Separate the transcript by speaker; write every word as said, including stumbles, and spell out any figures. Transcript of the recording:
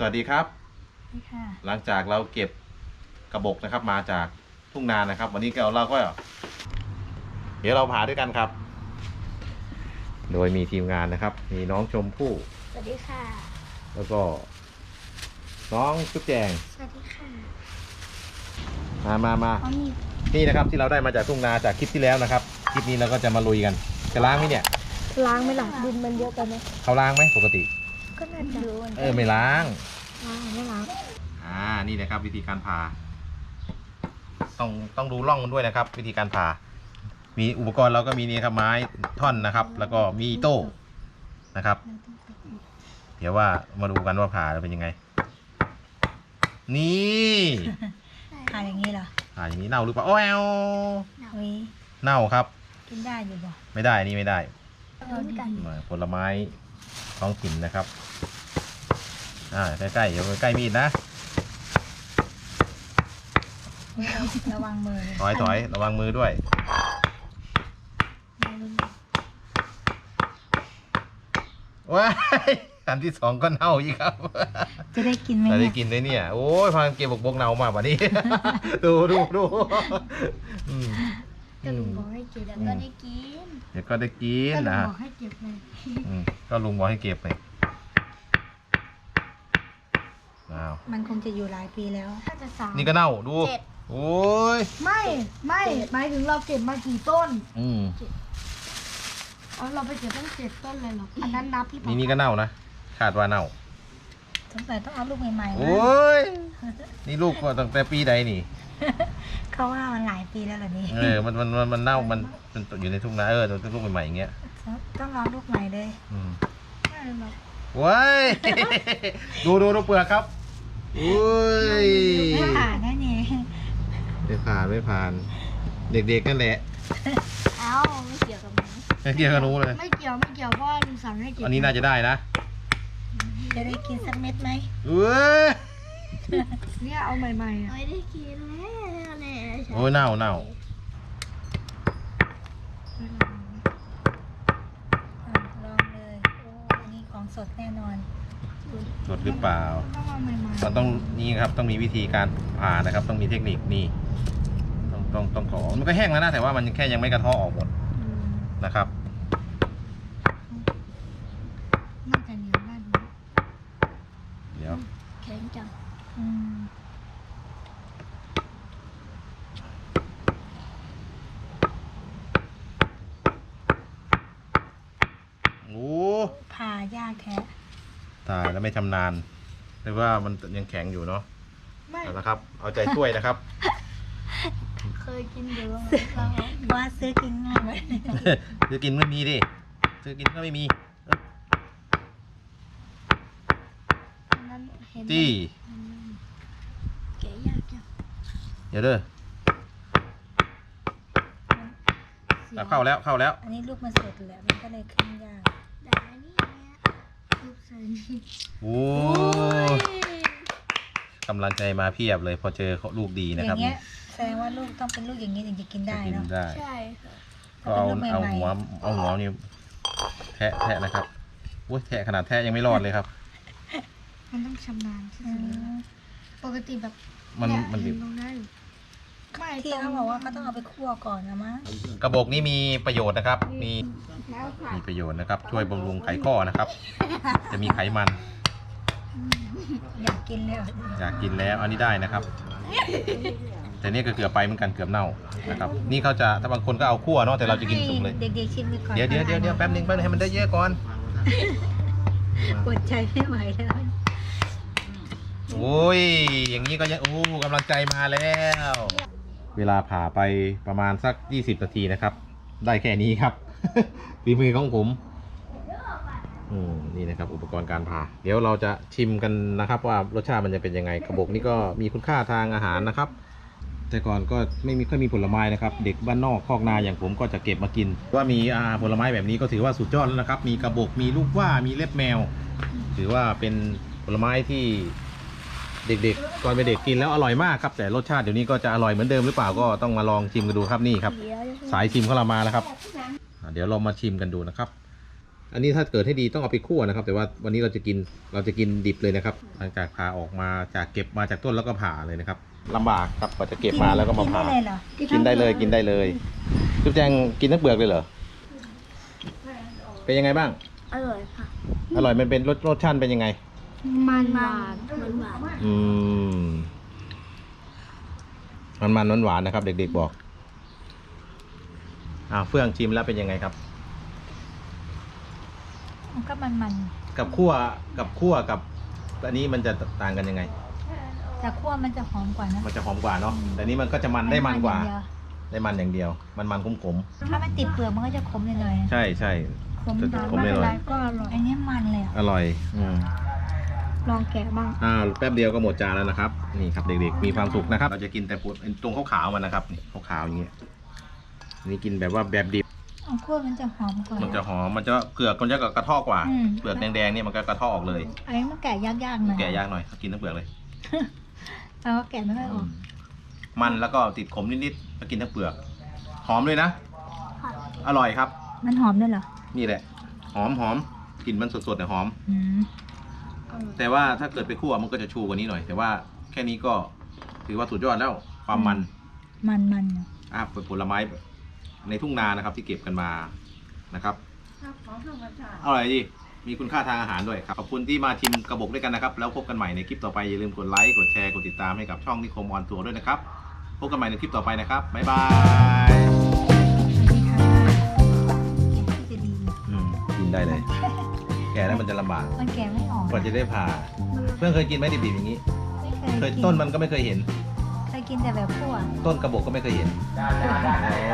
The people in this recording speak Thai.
Speaker 1: วัสดีครับ
Speaker 2: ค่ะ
Speaker 1: หลังจากเราเก็บกระบอกนะครับมาจากทุ่งนานะครับ วันนี้เราก็เดี๋ยวเราผ่าด้วยกันครับ โดยมีทีมงานนะครับ มีน้องชมพู่
Speaker 2: สวัสดีค่ะ
Speaker 1: แล้วก็น้องจุ๊บแจง
Speaker 2: สวัสดีค่ะ
Speaker 1: มามามา
Speaker 2: อ๋อนี่
Speaker 1: นี่นะครับที่เราได้มาจากทุ่งนาจากคลิปที่แล้วนะครับคลิปนี้เราก็จะมาลุยกันจะล้างไหมเนี่ย
Speaker 2: ล้างไหมล่ะดินมันเยอะไปไหม
Speaker 1: เขาล้างไหมปกติ
Speaker 2: ก็น่าจะ
Speaker 1: เออไม่ล้าง
Speaker 2: ล้างไม่ล้าง
Speaker 1: อ่านี่นะครับวิธีการผ่าต้องต้องดูร่องมันด้วยนะครับ วิธีการผ่ามีอุปกรณ์เราก็มีนี่ครับไม้ท่อนนะครับ แล้วก็มีโต้นะครับ เดี๋ยวว่ามาดูกันว่าผ่าจะเป็นยังไงนี่
Speaker 2: ผ่าอย่างนี้เหรอ
Speaker 1: ผ่าอย่างนี้เน่าหรือเปล่าโอ้ย
Speaker 2: วิ
Speaker 1: เน่าครับ
Speaker 2: กินได้อยู่บ่
Speaker 1: ไม่ได้นี่ไม่ได้
Speaker 2: โดนกัน
Speaker 1: ผลไม้ท้องถิ่นนะครับอ่าใกล้ๆเดี๋ยวใกล้มีดนะ
Speaker 2: ระวังมือ
Speaker 1: ถอยถอยระวังมือด้วยว้ายอันที่สองก็เน่าอีกครับ
Speaker 2: จะได้กินไหม
Speaker 1: จะได้
Speaker 2: เนี่ย
Speaker 1: กินเลยเนี่ยโอ้ยพากันเก็บบกบกเน่ามาวันนี้ ดูดูดูอืม
Speaker 2: ก็ลุงบอกให้เก็บแล้วก็ได้กิน
Speaker 1: เดี๋ยวก็ได้กิน
Speaker 2: ก็ลุง
Speaker 1: นะ
Speaker 2: บอกให้เก็บเลย
Speaker 1: อืมก็ลุงบอกให้เก็บไปอ้าว
Speaker 2: มันคงจะอยู่หลายปีแล้วน่าจะสาม
Speaker 1: นี่ก็เน่าดูโอ้ย
Speaker 3: ไม่ไม่หมายถึงเราเก็บมากี่ต้น
Speaker 1: อืม
Speaker 3: อ๋อเราไปเก็บตั้งเจ็ดต้นเลยเหรออันนั้นนับหรือเปล่า
Speaker 1: นี่นี่ก็เน่านะคาดว่าเน่า
Speaker 2: สงสัยต้องเอาลูกใหม่ๆ
Speaker 1: โอ
Speaker 2: นะ
Speaker 1: ้ยนี่ลูกก็ตั้งแต่ปีใดนี่
Speaker 2: เขาว่ามันหลายปีแล้วเหรอนี่
Speaker 1: เออมันมันมันมันเน่ามันมันอยู่ในทุ่งนาเออตัวลูกใหม่ๆอย่างเงี้ย
Speaker 2: ต้องรอลูกใหม่เลย
Speaker 1: อืม
Speaker 3: ไม่หรอก
Speaker 1: ว้าย ดูดูดูเปลือกครับอุ้ย
Speaker 2: ไม่ผ่านแน่นี่
Speaker 1: ไม่ผ่านไม่ผ่าน เด็กๆกันแหละ
Speaker 3: เอ้าไม่เกี่ยวกับมัน
Speaker 1: ไม่เกี่ยวกับหนู้เลย
Speaker 3: ไม่เกี่ยวไม่เกี่ยวเพราะว่าลุงสั่งให้เก็บ
Speaker 1: อันนี้น่าจะได้นะ
Speaker 2: จะได้กินสักเม็ดไหม
Speaker 1: เว้ย
Speaker 3: เนี่ยเอาใหม่ๆอ่ะ
Speaker 2: ไม่ได้กินแล้วแน่
Speaker 1: โอ้ยเน่าเน่า
Speaker 2: ลองเลยโอ้อันนี้ของสดแน่นอน
Speaker 1: สดหรือเปล่า
Speaker 3: ต้องเอาใหม่ๆ
Speaker 1: มันต้องนี่ครับต้องมีวิธีการผ่านะครับ ต้องมีเทคนิคนี่ต้องต้องต้องขอมันก็แห้งแล้วนะแต่ว่ามันแค่ยังไม่กระเทาะออกหมด
Speaker 3: อืม
Speaker 1: นะครับ
Speaker 3: น่าจะเหนียวได้ไหม
Speaker 1: เดี๋ยว
Speaker 3: แข็งจัง
Speaker 2: อืม
Speaker 1: โอ้
Speaker 2: ผ่ายากแท้
Speaker 1: ตายแล้วไม่ชำนาญหรือว่ามันยังแข็งอยู่เนาะ
Speaker 3: ไม่
Speaker 1: เอาละครับ เอาใจช่วยนะครับ
Speaker 3: เคยกินอยู่แล้ว
Speaker 2: ว่าซื้อกินง่ายไหม
Speaker 1: ซื้อกินไม่มีดิซื้อกินก็ไม่มี
Speaker 3: อันนั้นเห็น
Speaker 1: จี้
Speaker 3: อืมแกะยากจัง
Speaker 1: เดี๋ยวเด้อเอาเข้าแล้วเข้าแล้ว
Speaker 2: อันนี้ลูกมันสดแหละมันก็เลยขึ้นยาก
Speaker 3: ได้นี่เนี่ยรูปใส่นี่
Speaker 1: โอ้กำลังใจมาเพียบเลยพอเจอลูกดี
Speaker 2: อ
Speaker 1: นะครั
Speaker 2: ย่า
Speaker 1: บ
Speaker 2: งเงี้ยแสดงว่าลูกต้องเป็นลูกอย่างนี้ถึงจะกินได้
Speaker 1: จะกิน
Speaker 2: เนาะ
Speaker 1: ได้
Speaker 3: ใช่ค่ะ
Speaker 1: ก็เอา
Speaker 2: เป็นลูก
Speaker 1: เอา
Speaker 2: ใหม่ๆ
Speaker 1: หัวเอาหัวนี่แทะแทะนะครับอุ้ยแทะขนาดแทะยังไม่รอดเลยครับ
Speaker 3: มันต้องชำนาญที่
Speaker 2: อื
Speaker 3: สุดเลย
Speaker 2: ม
Speaker 3: ปกติแบบ
Speaker 1: มัน
Speaker 3: เย
Speaker 1: มัน
Speaker 3: เห็ตรงนั้นอยู่ไม่
Speaker 2: ที่
Speaker 3: ตรง
Speaker 2: เขาบอกว่าเขาต้องเอาไปคั่วก่อนนะมั้ง
Speaker 1: กระบอกนี้มีประโยชน์นะครับ มี
Speaker 3: แล้วค่ะ
Speaker 1: มีประโยชน์นะครับ ช่วยบำรุงไขข้อนะครับ จะมีไขมัน
Speaker 2: อยากกินเลยเหรอ
Speaker 1: อยากกินแล้วอันนี้ได้นะครับ แต่นี่ก็เกือบไปเหมือนกันเกือบเน่านะครับ นี่เขาจะถ้าบางคนก็เอาคั่วเนาะแต่เราจะกินสุกเลย
Speaker 2: ให้เด็กๆชิมไปก่อน
Speaker 1: เดี๋ยวเดี๋ยวเดี๋ยวเดี๋ยวแป๊บนึงแป๊บนึงให้มันได้เยอะก่อน
Speaker 2: อดใจไม่ไหวแล้ว
Speaker 1: โอ้ยอย่างนี้ก็ยังโอ้กำลังใจมาแล้ว เวลาผ่าไปประมาณสักยี่สิบนาทีนะครับ ได้แค่นี้ครับ ฝีมือของผมอืมนี่นะครับ อุปกรณ์การผ่า เดี๋ยวเราจะชิมกันนะครับ ว่ารสชาติมันจะเป็นยังไงกระบอกนี่ก็มีคุณค่าทางอาหารนะครับ แต่ก่อนก็ไม่มีค่อยมีผลไม้นะครับ เด็กบ้านนอกคอกนาอย่างผมก็จะเก็บมากิน ว่ามีอาผลไม้แบบนี้ก็ถือว่าสุดยอดแล้วนะครับ มีกระบอกมีลูกว่ามีเล็บแมว ถือว่าเป็นผลไม้ที่เด็กๆตอนเป็นเด็กกินแล้วอร่อยมากครับแต่รสชาติเดี๋ยวนี้ก็จะอร่อยเหมือนเดิมหรือเปล่าก็ต้องมาลองชิมกันดูครับนี่ครับ สายชิมของเรามาแล้วครับอ่าเดี๋ยวเรามาชิมกันดูนะครับอันนี้ถ้าเกิดให้ดีต้องเอาไปคั่วนะครับ แต่ว่าวันนี้เราจะกินเราจะกินดิบเลยนะครับหลังจากผ่าออกมาจากเก็บมาจากต้นแล้วก็ผ่าเลยนะครับลำบากครับกว่าจะเก็บมาแล้วก็มาผ่า
Speaker 2: กินได้เลยเหรอ
Speaker 1: กินได้เลยกินได้เลยจุ๊บแจงกินทั้งเปลือกเลยเหรอเป็นยังไงบ้าง
Speaker 3: อร่อยค่ะ
Speaker 1: อร่อยมันเป็นรสรสชาติเป็นยังไง
Speaker 3: มันหวานมันหวาน
Speaker 1: อืมมันมันหวานๆนะครับ เด็กๆบอกอ้าวเฟื่องชิมแล้วเป็นยังไงครับ
Speaker 2: มันก็มันมัน
Speaker 1: กับคั่วกับคั่วกับอันนี้มันจะต่างกันยังไง
Speaker 2: ๆแต่คั่วมันจะหอมกว่านะ
Speaker 1: มันจะหอมกว่าเนาะแต่นี้มันก็จะมันได้มันกว่า
Speaker 2: อย่งเดีย
Speaker 1: ได้มันอย่างเดียว มันมันขม
Speaker 2: ถ้ามันติดเปลือกมันก็จะขมหน่อย
Speaker 1: ๆใช่ใช่
Speaker 2: ๆขม
Speaker 1: จะ
Speaker 2: แต่
Speaker 1: ขม
Speaker 2: ไม่
Speaker 1: หน่
Speaker 2: เป็น
Speaker 1: อย
Speaker 2: ไรก็อร่อยอันนี้มันเลยอะ
Speaker 1: อร่อยอืม
Speaker 3: ลองแกะบ้าง
Speaker 1: อ่าแป๊บเดียวก็หมดจานแล้วนะครับ นี่ครับเด็กๆมีความสุขนะครับ เราจะกินแต่ตรงขาวๆมันนะครับนี่ขาวๆอย่างเงี้ยนี่กินแบบว่าแบบดิบ
Speaker 2: เอาคั่วมันจะหอมกว่า
Speaker 1: มันจะหอมมันจะเกลือกมันจะกระเทอกว่า
Speaker 2: อืม
Speaker 1: เปลือกแดงๆเนี่ยมันก็กระเทาะออกเลย
Speaker 2: อันนี้มันแกะยากๆหน่อย
Speaker 1: แกะยากหน่อยกินทั้งเปลือกเลย
Speaker 2: เราก็แกะไม่ค่อยออก
Speaker 1: มันแล้วก็ติดขมนิดๆแล้วกินทั้งเปลือกหอมเลยนะ อร่อยครับ
Speaker 2: มันหอมด้วยเหรอ
Speaker 1: นี่แหละ หอมหอมกลิ่นมันสดๆแต่หอม
Speaker 2: อืม
Speaker 1: แต่ว่าถ้าเกิดไปคั่วมันก็จะชูกว่านี้หน่อย แต่ว่าแค่นี้ก็ถือว่าสุดยอดแล้วความมัน
Speaker 2: มันมันๆอะ
Speaker 1: อ่ะเป็นผลไม้ในทุ่งนานะครับที่เก็บกันมานะครับอร่อยดีมีคุณค่าทางอาหารด้วยครับขอบคุณที่มาชิมกระบอกด้วยกันนะครับแล้วพบกันใหม่ในคลิปต่อไปอย่าลืมกดไลค์กดแชร์กดติดตามให้กับช่องนิคมออนทัวร์ด้วยนะครับพบกันใหม่ในคลิปต่อไปนะครับบ๊ายบาย
Speaker 2: สวัสดีค่ะกินที่จะดี
Speaker 1: อืมกินได้เลย แก่แล้วมันจะลำบาก
Speaker 2: มันแกะไม่ออก
Speaker 1: กว่าจะได้ผ่าเพื่อนเคยกินไหมดิบๆอย่างนี้
Speaker 2: ไม่เค
Speaker 1: เค
Speaker 2: ย
Speaker 1: ย
Speaker 2: กิน
Speaker 1: ต้นมันก็ไม่เคยเห็น
Speaker 2: เคยกินแต่แบบคั่ว
Speaker 1: ต้นกระบอกก็ไม่เคยเห็น